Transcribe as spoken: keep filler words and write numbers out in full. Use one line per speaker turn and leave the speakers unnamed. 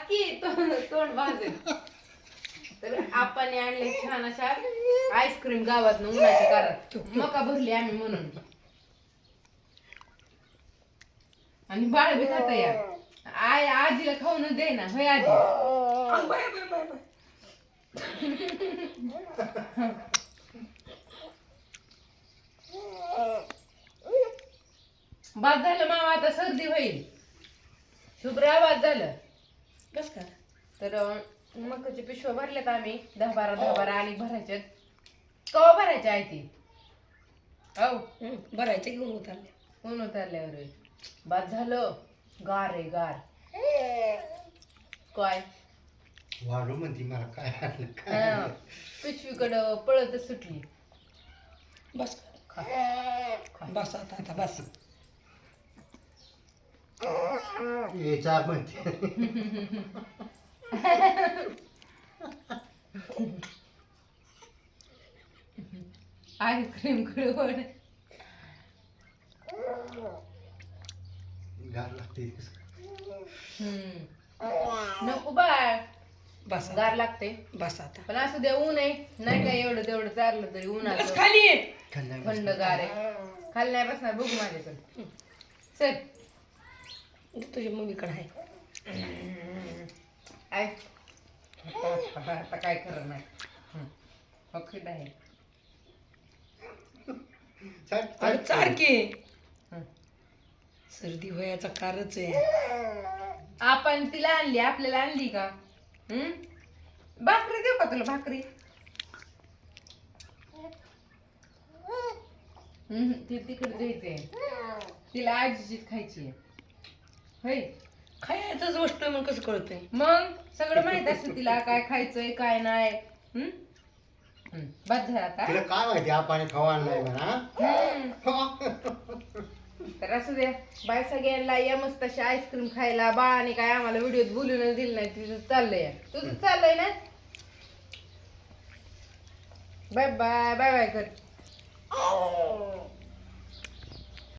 की तोंड तोंड भाजेल. तर आपण आणले छान अशा आईस्क्रीम गावात उन्हाच्या कारात मका भरली आम्ही म्हणून. आणि बाळ बी खाता या आय आजीला खाऊन दे ना होय आजी. बाद झालं मामा आता सर्दी होईल. शुभ्रा बाद झालं
कस का
तर मकाची पिशव्या भरल्यात आम्ही दहा बारा दहा बारा आणि भरायच्यात. कवा भरायच्या आहे ती हो
भरायचे घेऊन उतरले
ऊन उतरल्यावर बाद झालं. गार आहे गार काय
वाढू म्हणती मला काय आणलं काय
हा,
आणलं.
पिशवीकडं पळतच सुटली.
बस
खा खा.
बस आता आता बस
हे चार म्हणते
आईस्क्रीम कडवड
गार लागते
नको बाळ
बस
गार लागते.
बस आता
पण असं द्या ऊन आहे नाही काय एवढं तेवढं चाललं तरी ऊन
बस
आलं
खाली ये.
थंड गार आहे. खाली नाही बसणार बघू माझ्याकडे चल.
तुझ्या मम्मीकडे आहे
आय आता काय करणार नाही ओके आहे.
अरे सारखी सर्दी व्हायचा कारच आहे.
आपण तिला आणली आपल्याला आणली का हम्म भाकरी देऊ का तुला भाकरी. हम्म ती तिकडे द्यायचंय तिला आजीचीच खायची आहे होय.
खायचंच गोष्ट मग कसं कळतंय.
मग सगळं माहित असतं तिला काय खायचंय काय नाही. हम्म हम्म, बस झालं आता.
तिला काय माहिती आपण खावा आणलाय म्हणा.
हम्म. तर असू द्या बाय सगळ्यांना या मस्त अशी आईस्क्रीम खायला. बाळाने काय आम्हाला व्हिडिओत बोलून दिलं नाही तुझं चाललंय तुझं चाललंय ना. बाय बाय बाय बाय कर.